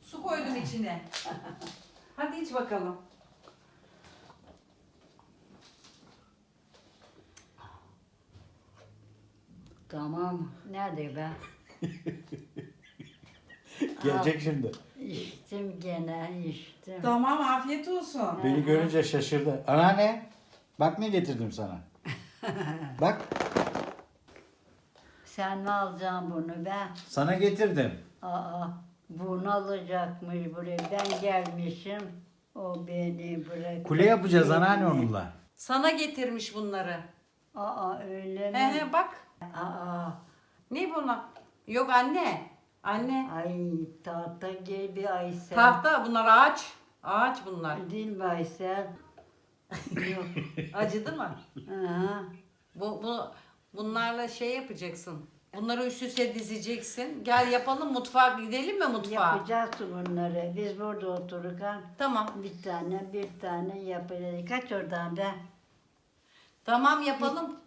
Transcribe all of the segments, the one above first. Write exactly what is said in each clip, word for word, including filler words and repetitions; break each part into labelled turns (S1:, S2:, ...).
S1: Su koydum içine. Hadi iç bakalım.
S2: Tamam. Nerede be?
S3: Gelecek şimdi.
S2: İçtim gene içtim.
S1: Tamam, afiyet olsun.
S3: Beni görünce şaşırdı. Anneanne, bak ne getirdim sana. Bak,
S2: Sen mi alacaksın bunu be?
S3: sana getirdim.
S2: Aa, bunu alacakmış buraya. Ben gelmişim. O beni bırak.
S3: Kule yapacağız anneanne onunla.
S1: Sana getirmiş bunları.
S2: Aa öyle mi?
S1: He he bak.
S2: Aa,
S1: Ne bunlar? Yok anne. Anne.
S2: ay tahta gibi Aysel.
S1: Tahta bunlar ağaç. Ağaç bunlar.
S2: Değil mi Aysel? Yok.
S1: Acıdı mı?
S2: Aha.
S1: Bu, bu bunlarla şey yapacaksın. Bunları üst üste dizeceksin. Gel yapalım, mutfağa gidelim mi mutfağa?
S2: Yapacağız bunları. Biz burada otururken
S1: Tamam.
S2: bir tane bir tane yapacağız. Kaç oradan be?
S1: Tamam yapalım.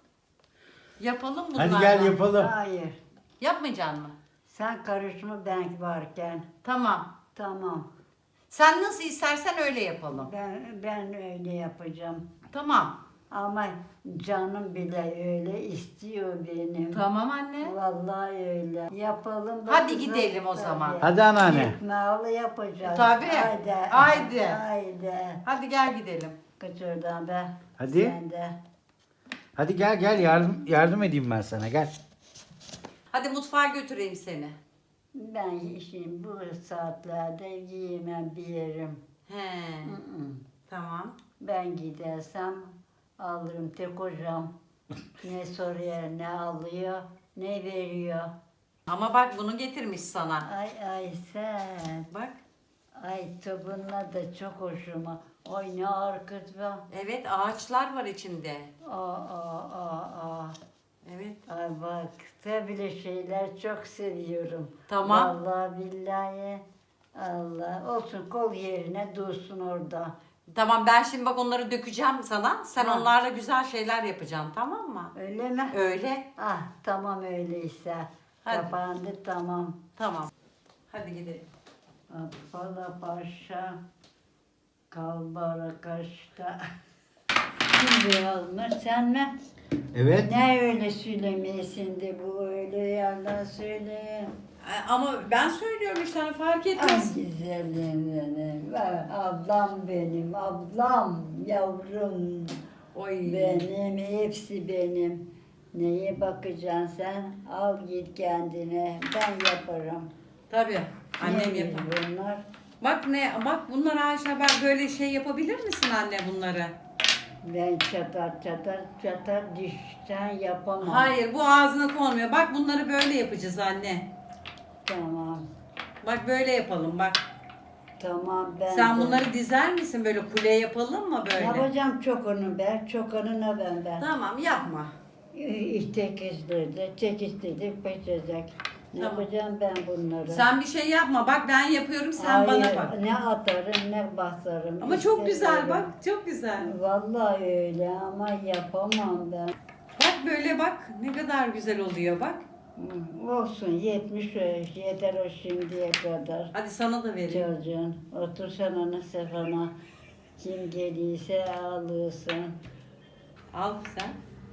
S1: Yapalım bunlarla.
S3: Hadi gel yapalım.
S2: Hayır.
S1: Yapmayacaksın mı?
S2: Sen karışma ben varken.
S1: Tamam.
S2: Tamam.
S1: Sen nasıl istersen öyle yapalım.
S2: Ben ben öyle yapacağım.
S1: Tamam.
S2: Ama canım bile öyle istiyor benim.
S1: Tamam anne.
S2: Vallahi öyle. Yapalım. da
S1: Hadi
S2: kızım.
S1: gidelim o
S2: Tabii.
S1: zaman.
S3: Hadi anneanne.
S2: Ekmeğiyle yapacağız.
S1: Tabii.
S2: Haydi.
S1: Haydi.
S2: Haydi.
S1: Hadi gel gidelim.
S2: Kaç oradan be.
S3: Hadi.
S2: Sen de.
S3: Hadi gel gel yardım yardım edeyim ben sana gel.
S1: Hadi mutfağa götüreyim seni.
S2: Ben şimdi bu saatlerde yiyemem bir yerim.
S1: He.
S2: Hı hı.
S1: Tamam.
S2: Ben gidersem alırım tek hocam. Ne soruyor, ne alıyor, ne veriyor.
S1: Ama bak bunu getirmiş sana.
S2: Ay ay sen.
S1: Bak.
S2: Ay bununla da çok hoşuma. Ay ne arkası be.
S1: Evet ağaçlar var içinde.
S2: Aa aa aa aa.
S1: Evet.
S2: Ay bak böyle şeyler çok seviyorum.
S1: Tamam.
S2: Vallahi billahi. Allah olsun kol yerine dursun orada.
S1: Tamam ben şimdi bak onları dökeceğim sana. Sen
S2: Ha.
S1: onlarla güzel şeyler yapacaksın tamam mı?
S2: Öyle mi?
S1: Öyle.
S2: Ah tamam öyleyse.
S1: Hadi.
S2: Kapandı tamam.
S1: Tamam. Hadi gidelim.
S2: Appala paşa kalbara kaşta. Kim yazmış sen mi?
S3: Evet.
S2: Ne öyle söylemeyesin de bu öyle yerden söyle.
S1: Ama ben söylüyorum işte hani fark
S2: Ay
S1: etmez.
S2: güzelim benim. Ben- Ablam benim, ablam, yavrum.
S1: Oy.
S2: Benim, hepsi benim. Neye bakacaksın sen? Al git kendine. Ben yaparım.
S1: Tabii. Annem
S2: Neymiş
S1: yapar.
S2: bunlar?
S1: Bak ne bak bunlar ağaçlar bak böyle şey yapabilir misin anne bunları?
S2: Ben çatar çatar çatar dişten yapamam.
S1: Hayır bu ağzına konmuyor. Bak bunları böyle yapacağız anne.
S2: Tamam.
S1: Bak böyle yapalım bak.
S2: Tamam ben
S1: Sen
S2: de-
S1: bunları dizer misin böyle kule yapalım mı böyle?
S2: Yapacağım çok onu ben. Çok onuna ben ben.
S1: Tamam yapma.
S2: İşte kızları çekiştirdik peçecek. Ne
S1: Tamam.
S2: yapacağım ben bunları?
S1: Sen bir şey yapma. Bak ben yapıyorum sen
S2: Hayır,
S1: bana bak.
S2: ne atarım ne basarım.
S1: Ama çok güzel
S2: İstemiyorum.
S1: bak. Çok güzel.
S2: Vallahi öyle ama yapamam ben.
S1: Bak böyle bak. Ne kadar güzel oluyor bak.
S2: Hı, olsun yetmiş yaş yeter o şimdiye kadar.
S1: Hadi sana da vereyim.
S2: Çocuğun otur sen ona sefana. Kim geliyse alırsın.
S1: Al sen.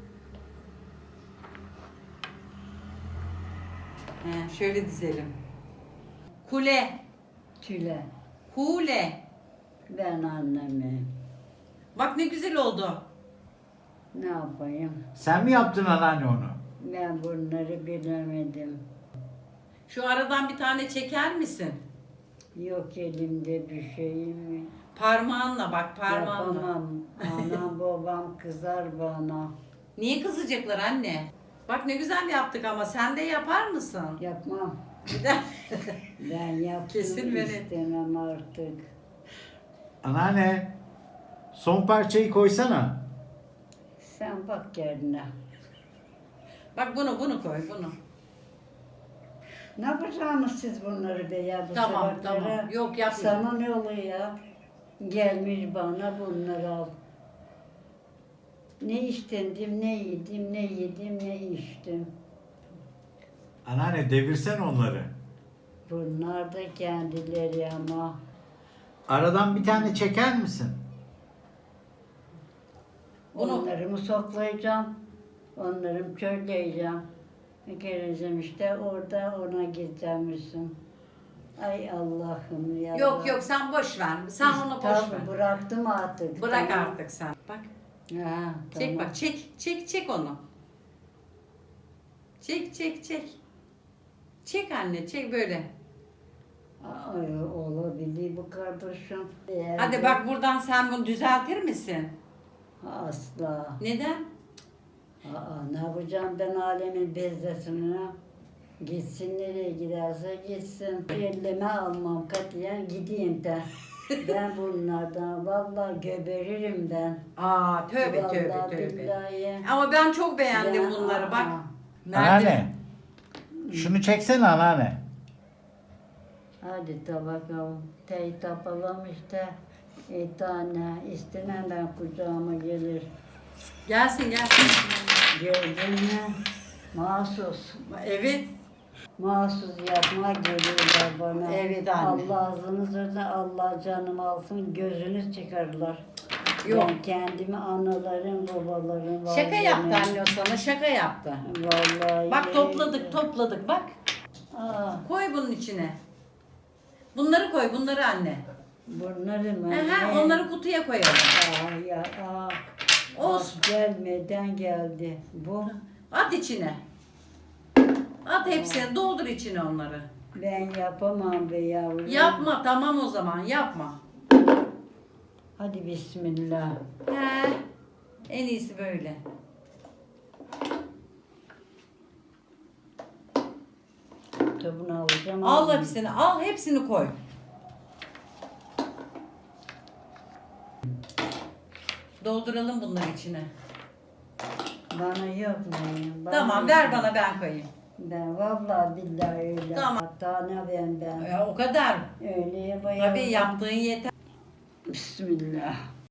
S1: He, şöyle dizelim. Kule.
S2: Tüle.
S1: Kule.
S2: Ben annemim.
S1: Bak ne güzel oldu.
S2: Ne yapayım?
S3: Sen mi yaptın anneanne onu?
S2: Ben bunları bilemedim.
S1: Şu aradan bir tane çeker misin?
S2: Yok elimde bir şeyim.
S1: Parmağınla bak parmağınla.
S2: Yapamam. Anam babam kızar bana.
S1: Niye kızacaklar anne? Bak ne güzel yaptık ama sen de yapar mısın?
S2: Yapmam. Ben yaptım
S1: Kesin beni.
S2: istemem artık.
S3: Anneanne, son parçayı koysana.
S2: Sen bak kendine.
S1: Bak bunu bunu koy bunu.
S2: Ne yapacaksınız siz bunları be ya bu
S1: Tamam,
S2: sebeplere?
S1: tamam. Yok, yapma.
S2: Sana ne oluyor ya? Gelmiş bana bunları al. Ne içtim, ne yedim, ne yedim, ne içtim.
S3: Anneanne devirsen onları.
S2: Bunlar da kendileri ama.
S3: Aradan bir tane çeker misin?
S1: Bunu-
S2: Onları mı soklayacağım? Onları mı çölleyeceğim? Geleceğim işte orada ona gideceğimmişsin. Ay Allah'ım ya.
S1: Yok yok sen boş ver. Sen onu boş
S2: Tamam,
S1: ver.
S2: bıraktım artık.
S1: Bırak
S2: tamam.
S1: artık sen. Bak.
S2: Ha,
S1: Çek
S2: tamam.
S1: bak. Çek. Çek çek onu. Çek çek çek. Çek anne çek böyle.
S2: Ay, olabilir bu kardeşim. Eğer
S1: Hadi
S2: bu-
S1: bak buradan sen bunu düzeltir misin?
S2: Asla.
S1: Neden?
S2: Aa, ne yapacağım ben alemin bezdesine? Gitsin nereye giderse gitsin. Elleme almam katiyen gideyim de. Ben bunlardan vallahi geberirim ben.
S1: Aa tövbe
S2: Vallahi
S1: tövbe tövbe.
S2: billahi.
S1: Ama ben çok beğendim
S2: Ben-
S1: bunları bak.
S2: Aa.
S3: Anneanne. Şunu çeksene anneanne.
S2: Hadi de bakalım. Tey tapalım işte. Bir tane istemem ben kucağıma gelir.
S1: Gelsin gelsin.
S2: Gördün mü? Mahsus.
S1: Evet.
S2: Mahsus yapma geliyorlar bana.
S1: Evet anne.
S2: Allah ağzınızı da Allah canımı alsın gözünüz çıkarırlar.
S1: Yok.
S2: Ben kendimi analarım, babalarım.
S1: Şaka
S2: vallahi-
S1: yaptı anne o sana şaka yaptı.
S2: Vallahi.
S1: Bak topladık topladık bak.
S2: Aa,
S1: Koy bunun içine. Bunları koy bunları anne.
S2: bunları mı?
S1: Aha,
S2: Ne?
S1: onları kutuya koyalım.
S2: Aa, ya, aa.
S1: Olsun.
S2: Bak, gelmeden geldi. Bu
S1: At içine. At hepsini doldur içine onları.
S2: ben yapamam be yavrum.
S1: Yapma tamam o zaman yapma.
S2: Hadi bismillah.
S1: He. En iyisi böyle.
S2: Tabunu alacağım.
S1: Al
S2: almayayım.
S1: hepsini al hepsini koy. Dolduralım bunları içine.
S2: Bana yok mu? Bana
S1: Tamam
S2: yok
S1: ver
S2: mu?
S1: bana ben koyayım.
S2: Ben vallahi billahi öyle.
S1: Tamam.
S2: Hatta ne ben ben.
S1: Ya, o kadar.
S2: Öyle yapayım.
S1: Tabii yaptığın yeter.
S2: Bismillah.